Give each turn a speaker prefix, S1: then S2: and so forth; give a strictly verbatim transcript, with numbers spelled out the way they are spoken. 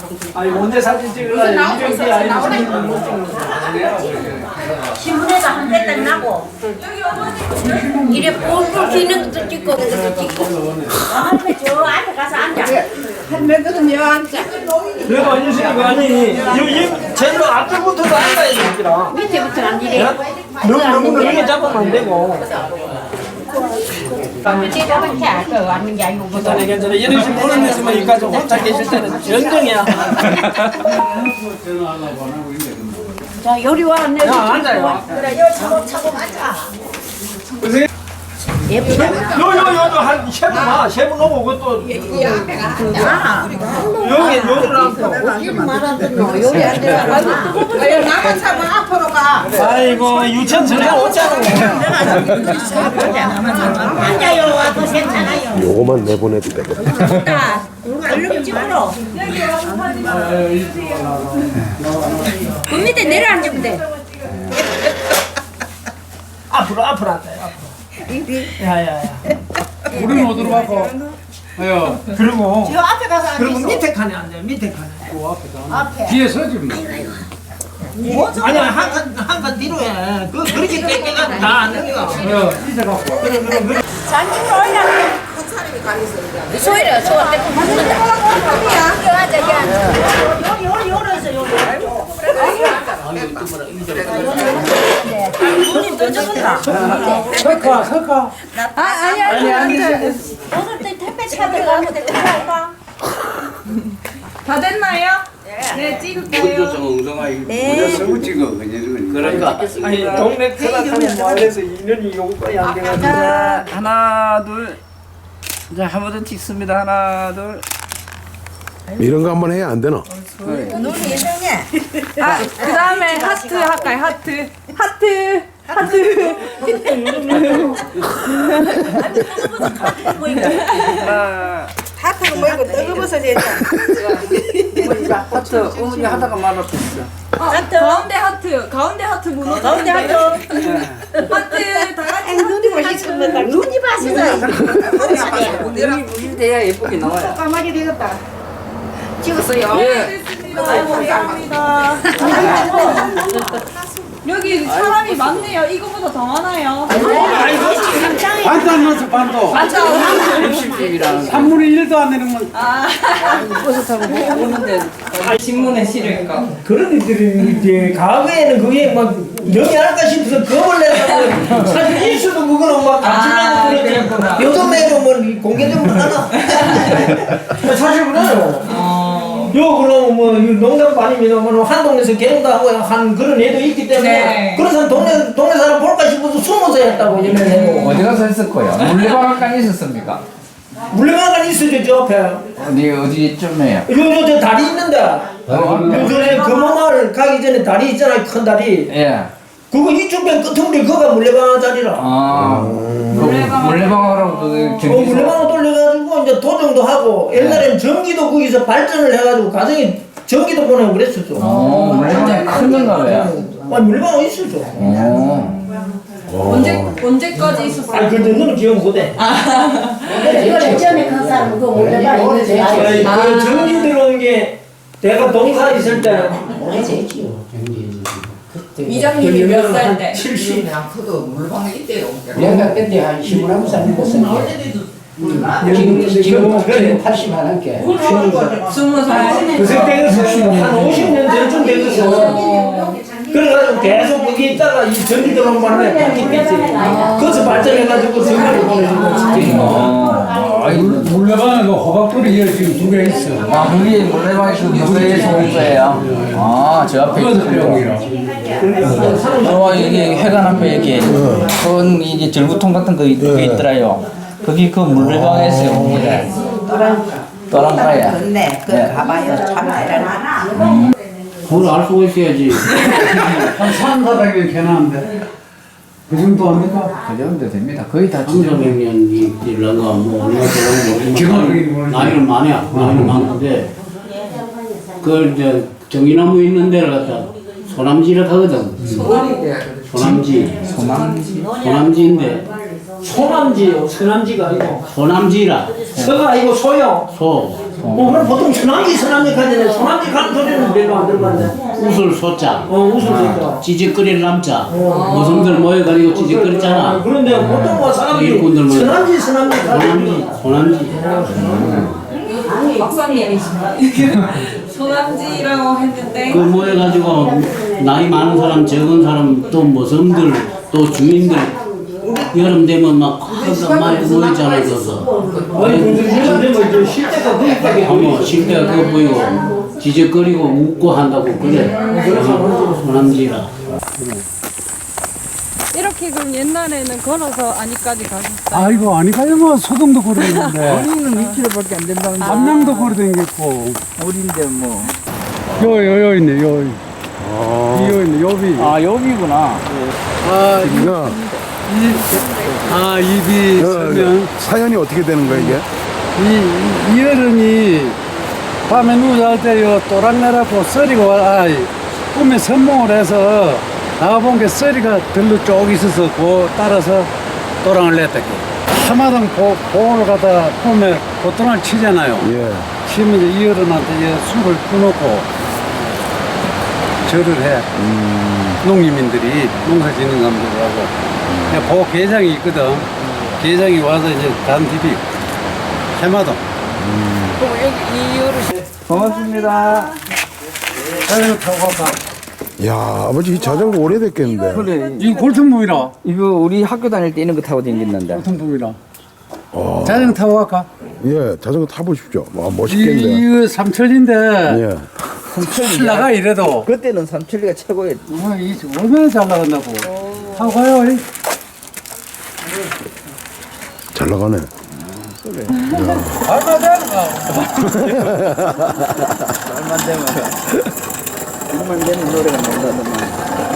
S1: 아니 언제 사진 찍으려 이정기 아니면 못 찍는
S2: 신문에도 한 대 딱 나고 이래 뿔뿔 기는 것도 찍고 그것도 찍고 할매 저 앞에 가서 앉아
S3: 할매들은 여 앉아.
S1: 내가 앉으시니까 아니 이 제대로 앞에부터도 앉아야 되더라.
S2: 밑에부터 앉으래
S1: 너무 너무 넓게 잡으면 안 되고.
S2: 제가 그렇게 할 거 아닌 게 아니고
S1: 괜찮아 괜찮아. 이런 식으로 보는 데서만 여기까지 혼자 계실 때는 전쟁이야.
S2: 자 요리 와 내
S1: 야 앉아요.
S2: 그래 요 차곡차곡 앉아 예쁘다
S1: 요요요요 한 셰프 봐. 셰프 놓고 그것도
S2: 아
S1: 여기 요리를 하고.
S2: 말하던 요리 안 돼.
S3: 아유 나만 차면 앞으로 가.
S1: 아이고 유치원 전에 오잖아.
S2: 앉아요 와도 괜찮아요
S4: 요거만 내보내도 되겠다.
S2: 자 얼른 찍으러 그 밑에 내려앉으면 돼
S1: 앞으로 앞으로 앉아요. 앞으로. 야야야.
S5: 우리는 어디로 가고? 아유,
S1: 그리고
S3: 저 앞에 가서
S1: 그리고
S3: 앉아.
S1: 밑에 칸에 앉아요. 밑에 칸에.
S3: 앞에.
S5: 뒤에 서지 뭐.
S1: 아니야 한칸한칸 뒤로 해. 그 그렇게 땡겨가 다 안 되니까.
S5: 아유, 이제 갖고.
S2: 잔치로 올려 소이려 소한테 붙는다 여기 앉아 여기 앉아 요리 요리 요리해서 요리 눈이 떠져본다
S1: 설카 설카.
S2: 아 아니 아니 아니 오늘 때 택배 차들 가면 될까
S6: 다 됐나요? 네, 찍을게요.
S2: 네
S5: 그러니까.
S1: 아니 동네 크락하면 말해서 인연이 요거까지 안 돼가지고.
S5: 자, 하나, 둘. 자, 한 번 더 찍습니다. 하나, 둘.
S4: 이런 거 한번 해야 안 되나?
S2: 눈이 이상해
S6: 아, 그 다음에 하트 할까요? 하트. 하트. 하트.
S5: 하나.
S3: 하트는 뭐이고 뜨거워서 됐다.
S5: 하트, 어머니 하다가 말았어.
S6: 하트. 가운데 하트. 가운데 하트 무너져.
S2: 가운데 하트
S6: 하트. 다 같이
S3: 눈이 맛있습니다.
S2: 눈이 맛있어
S5: 눈이 무슨 돼야 예쁘게 나와요.
S3: 까마귀 되겠다.
S2: 찍었어요
S6: 아이고, 감사합니다. 여기 사람이 많네요. 이거보다 더 많아요.
S5: 반도 안 넣었어, 반도. 육십집이라는. 삼분의 일도 안 되는 건. 버스 타고 못 오는데. 신문에 실을까?
S1: 그런 일들이 이제 과거에는 그게 막 영이 할까 싶어서 겁을 내서 사실 일수도 그거는 막
S5: 아,
S1: 감추려고
S5: 그랬구나.
S1: 그러지. 요즘에는 뭐 공개적으로 하나. 사실 그래요. 요 그러면 뭐 농담도 아닙니다. 뭐 한동네에서 개롱도 하고 한 그런 애도 있기 때문에
S6: 네.
S1: 그래서 동네 동네 사람 볼까 싶어서 숨어서 했다고 얘기해요.
S7: 어디 가서 했을 거예요? 물레방앗간 있었습니까?
S1: 물레방앗간 있어요 저 옆에.
S7: 어디 어디쯤에요?
S1: 요요 저 다리 있는데. 요 전에 금호마을 가기 전에 다리 있잖아요 큰 다리.
S7: 예.
S1: 그거 이쪽 면 끝머리 그거가 물레방앗 자리라.
S7: 아 물레방앗 물레방앗하고 그
S1: 어,
S7: 전기소.
S1: 물레방앗 돌려가지고 이제 도정도 하고 옛날에는 전기도 거기서 발전을 해가지고 가정에 전기도 보내고 그랬었죠.
S7: 어 물레방앗 큰 건가 봐요.
S1: 아니 물레방앗 있었죠.
S7: 어.
S6: 언제 언제까지 있었어요?
S1: 아니 근데 너는 기억 못해.
S2: 이거 전에 그 사람 그거 몰라봐 있는지
S1: 아니, 그 전기 들어온 게 내가 동사 있을 때
S6: 이장님이 몇 살 때?
S1: 칠십.
S8: 내가 그때 한 스물한 살 먹었었는데 지금 지금 지금 팔십 하나께
S6: 스무 살.
S1: 그 때였어. 한 오십 년 전쯤 됐었어. 그래가지고 계속 거기 있다가 이 전기 들어온 바람에 바뀌 뺐지. 거기서 발전해가지고 전기를 보내주고.
S5: 물레방에 그 호박돌이 지금 두 개 있어.
S7: 아 그게 물레방앗 그 물레에서 온 거예요. 아저 앞에
S5: 그것도
S7: 있거든요.
S5: 병이라.
S7: 어 이게 해관 앞에 이렇게 큰 이게 절구통 같은 거 있- 게 있더라요. 거기 그 물레방앗에서 온 거래. 또랑가야.
S3: 근데 그
S7: 네.
S3: 가봐요. 참 대단하나.
S5: 그걸 알 수가 있어야지. 한 삼사백 년 개나는데. 그 정도 합니까?
S7: 그 정도 됩니다. 거의 다
S9: 삼백여 년이 일런가 뭐 얼마 되는
S5: 지금
S9: 뭐 나이는 많이야 나이는 많은데 그 이제 정이나무 있는 데를 갖다 소남지를 하거든. 소남지
S7: 소망지.
S9: 소남지인데
S1: 소남지요. 서남지가 아니고.
S9: 소남지라.
S1: 서가 아니고 소요.
S9: 소.
S1: 뭐 그럼 보통 서남지 서남지 가잖아요. 소남지 가는 소리는 별로 안 들어봤네.
S9: 우술 소자.
S1: 어 웃을 수 있다.
S9: 찌직거릴 남자. 모성들 모여가지고 찌직거리잖아.
S1: 그런데 보통 뭐 사람들이
S9: 일꾼들 모여.
S1: 서남지 서남지
S9: 소남지. 소남지.
S6: 박사님이신가? 소남지라고 했는데
S9: 그 모여가지고 나이 많은 사람, 적은 사람, 또 모성들, 또 주민들 여름 되면 막 하다 많이 모이잖아. 그래서
S1: 아니 근데 뭐 이제 실제가 거기까지
S9: 어머 실내가 그거 보이고 지적거리고 웃고 한다고 그래. 소남지라.
S6: 이렇게 그럼 옛날에는 걸어서 안이까지 가셨어요?
S5: 아이고 아니까요 뭐 소동도 걸어다녔는데
S8: 우리는 이 킬로미터밖에 안 된다는데
S5: 남양도 걸어다녔고
S8: 우리인데 뭐
S5: 요요 요 있네 요 이요 있네 요비
S7: 아 여기구나.
S5: 아,
S4: 이거
S5: 이, 아 입이 서면
S4: 사연이 어떻게 되는 거야 이게?
S5: 이, 이 어른이 밤에 누워잘 때요 또랑내라고 썰이가 와, 아, 꿈에 선몽을 해서 나와본 게 썰이가 들로 쭉 있어서 그 따라서 또랑을 냈다. 하마당 보, 보호를 갖다 꿈에 보통을 치잖아요.
S4: 예.
S5: 치면 이제 이 어른한테 이제 술을 끊어놓고 절을 해. 농민들이 농사 짓는 사람들하고. 그 계장이 있거든. 계장이 와서 이제 단디비 해마도.
S6: 그럼 여기 이 어르신
S7: 고맙습니다.
S5: 자전거 타고 갈까?
S4: 야 아버지 이 자전거 오래됐겠는데.
S7: 그래.
S5: 이거 골든붐이라.
S7: 이거 우리 학교 다닐 때 이런 거 타고 다녔는데.
S5: 골든붐이라. 자전거 타고 갈까?
S4: 예 자전거 타보십시오. 와
S5: 이,
S4: 멋있겠네.
S5: 이거 삼천인데
S4: 예.
S5: 잘 나가 이래도.
S7: 그때는 삼천리가 최고였.
S5: 와, 이 얼마나 잘 나간다고. 타고 가요. 이.
S4: 잘 나가네.
S5: 얼마 되는 거.
S7: 얼마 되면 얼마 되는 노래가 나온다더만.